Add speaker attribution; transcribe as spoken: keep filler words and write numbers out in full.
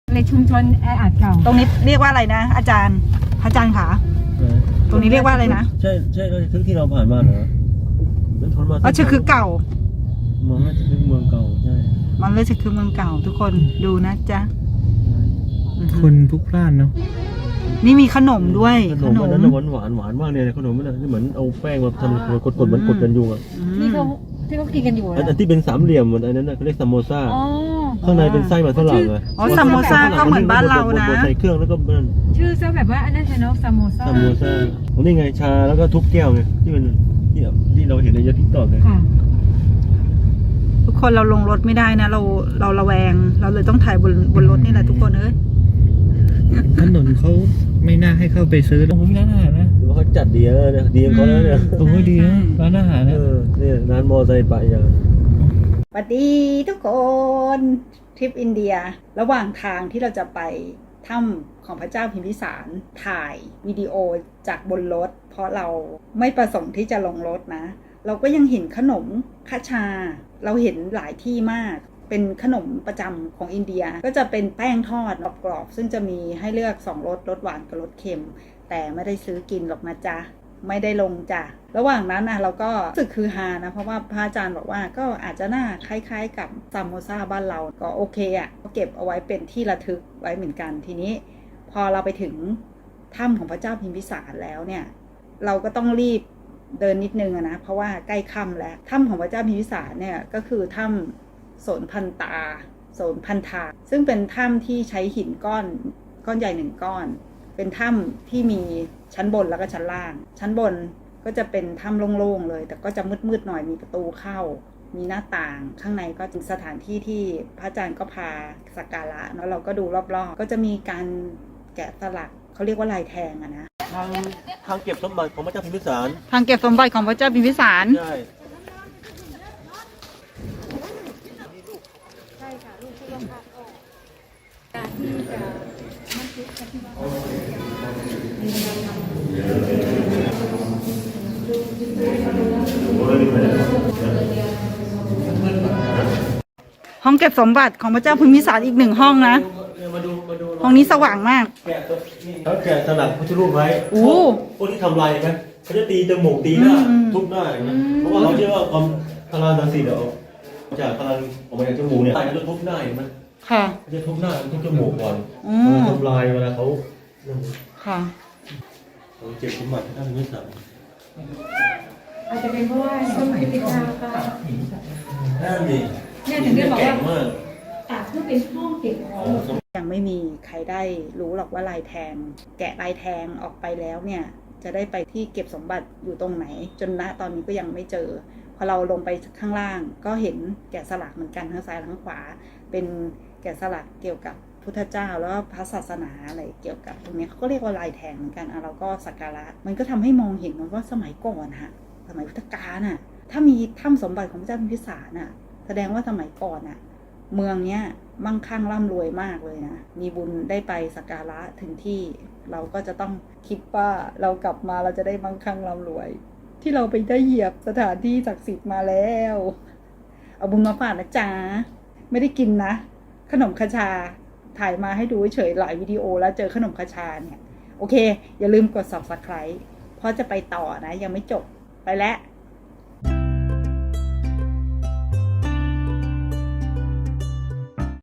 Speaker 1: ในชุมชนแออัดเก่า
Speaker 2: ตรงนี้เรียกว่าอะไรนะอาจารย์อาจารย์ขาตรงนี้เรียกว่าอะไรนะ
Speaker 3: ใช่ใช่ทึกที่เราผ่านมาเหรอมันทนมา
Speaker 2: อ๋อชื่อคือเก่า
Speaker 3: เมืองน่าจะเป็นเมืองเก่าใช่
Speaker 2: มันเลยจะคือเมืองเก่าทุกคนดูนะจ๊ะ
Speaker 4: คนพลุกพล่านเนาะ
Speaker 2: นี่มีขนมด้วย
Speaker 3: ขนมอันนั้นหวานหวานหวานมากเลยขนมมันเหมือนเอาแป้งมาทำกดกดเหมือนกดกันยุงอ่ะ
Speaker 1: ที่เขาที่เขากินกันอยู่
Speaker 3: อันที่เป็นสามเหลี่ยมอันนั้นเขาเรียกซัมโมซาข้างในเป็นไส้มันฝรั่งเลย
Speaker 2: อ๋อซัมโมซาก็เหมือนบ้านเรานะ
Speaker 3: ใส่เครื่องแล้วก็มัน
Speaker 1: ชื่อซะแบบว่าอันนั้นใช่เนาะซัมโมซา
Speaker 3: ซัมโมซาอันนี้ไงชาแล้วก็ทุบแก้วไงที่มันที่ที่เราเห็นในยอดทิกตอกไง
Speaker 2: ทุกคนเราลงรถไม่ได้นะเราเราระแวงเราเลยต้องถ่ายบนบนรถนี่แหละทุกคนเอ้ย
Speaker 4: ถนนเขาไม่น่าให้เข้าไปซื้อตรงนี้ร้านอาหารนะ
Speaker 3: หรือว่าเขาจัดดีแล้วเนี่ยดีเขาแล้วเนี่ย
Speaker 4: ตรงนี้ดีนะร้านอาหารนะ
Speaker 3: เนี่ยร้านมอไซค์ปะอย่าง
Speaker 2: สวัสดีทุกคนทริปอินเดียระหว่างทางที่เราจะไปถ้ำของพระเจ้าพิมพิสารถ่ายวิดีโอจากบนรถเพราะเราไม่ประสงค์ที่จะลงรถนะเราก็ยังเห็นขนมคาชาเราเห็นหลายที่มากเป็นขนมประจำของอินเดียก็จะเป็นแป้งทอดกรอบๆซึ่งจะมีให้เลือกสองรสรสหวานกับรสเค็มแต่ไม่ได้ซื้อกินหรอกนะจ๊ะไม่ได้ลงจ้ะระหว่างนั้นนะเราก็รู้สึกคือฮานะเพราะว่าพระอาจารย์บอกว่าก็อาจจะน่าคล้ายๆกับซัมโมซาบ้านเราก็โอเคอ่ะก็เก็บเอาไว้เป็นที่ระทึกไว้เหมือนกันทีนี้พอเราไปถึงถ้ำของพระเจ้าพิมพิสารแล้วเนี่ยเราก็ต้องรีบเดินนิดนึงนะเพราะว่าใกล้ค่ำแล้วถ้ำของพระเจ้าพิมพิสารเนี่ยก็คือถ้ำโสนพันตาโสนพันธาซึ่งเป็นถ้ำที่ใช้หินก้อนก้อนใหญ่หนึ่งก้อนเป็นถ้ำที่มีชั้นบนแล้วก็ชั้นล่างชั้นบนก็จะเป็นถ้ำโล่งๆเลยแต่ก็จะมืดๆหน่อยมีประตูเข้ามีหน้าต่างข้างในก็เป็นสถานที่ที่พระอาจารย์ก็พาสักการะแล้วเราก็ดูรอบๆก็จะมีการแกะสลักเขาเรียกว่าลายแทงอะนะ
Speaker 3: ทางทางเก็บสมบัติของพระเจ้าพิมพิสาร
Speaker 2: ทางเก็บสมบัติของพระเจ้าพิมพิสาร
Speaker 3: ใช่
Speaker 1: ใช่ค่ะลูกที่ต้องพักออกการที่จะมันคิดกันที่ว่า
Speaker 2: ห้องเก็บสมบัติของพระเจ้าพิมพิสารอีกหนึ่งห้องนะห้องนี้สว่างมาก
Speaker 3: เขาแกะสลักพุทธรูปไว้โอ้พวกที่ทำลายนะเขาจะตีจมูกตีหน้าทุบหน้านะเพราะว่าเขาเชื่อว่าความพลังทางสีเดี๋ยวจากพลังออกมาจากจมูกเนี่ยเขาจะทุบหน้าเห็นไหม
Speaker 2: ค่ะ
Speaker 3: เขาจะทุบหน้าทุบจมูกก่อนทำลายเวลาเขา
Speaker 2: ค่ะ
Speaker 3: เขาเจ็บสมบัติท่านไม่สั่ง
Speaker 1: อาจจะเป็นเพราะว่าสมัยพิจารณา
Speaker 3: นั่นดิ
Speaker 1: เนี่ยถึงได้บอกว่าอ่ะเพื่อเป็นห้องเก็บของ
Speaker 2: ยังไม่มีใครได้รู้หรอกว่าลายแทงแกะลายแทงออกไปแล้วเนี่ยจะได้ไปที่เก็บสมบัติอยู่ตรงไหนจนณตอนนี้ก็ยังไม่เจอพอเราลงไปข้างล่างก็เห็นแกะสลักเหมือนกันทั้งซ้ายทั้งขวาเป็นแกะสลักเกี่ยวกับพุทธเจ้าแล้วก็พระศาสนาอะไรเกี่ยวกับตรงนี้เขาก็เรียกว่าลายแทงเหมือนกันอ่ะเราก็สักการะมันก็ทำให้มองเห็นว่าสมัยก่อนฮะสมัยพุทธกาลน่ะถ้ามีถ้ำสมบัติของพระเจ้าพิมพิสารน่ะแสดงว่าสมัยก่อนน่ะเมืองเนี้ยมั่งคั่งร่ำรวยมากเลยนะมีบุญได้ไปสักการะถึงที่เราก็จะต้องคิดว่าเรากลับมาเราจะได้มั่งคั่งร่ำรวยที่เราไปได้เหยียบสถานที่ศักดิ์สิทธิ์มาแล้วเอาบุญมาฝากนะจ๊ะไม่ได้กินนะขนมคาชาถ่ายมาให้ดูเฉยหลายวิดีโอแล้วเจอขนมคาชาเนี่ยโอเคอย่าลืมกด ซับสไครบ์ เพราะจะไปต่อนะยังไม่จบไปแล้ว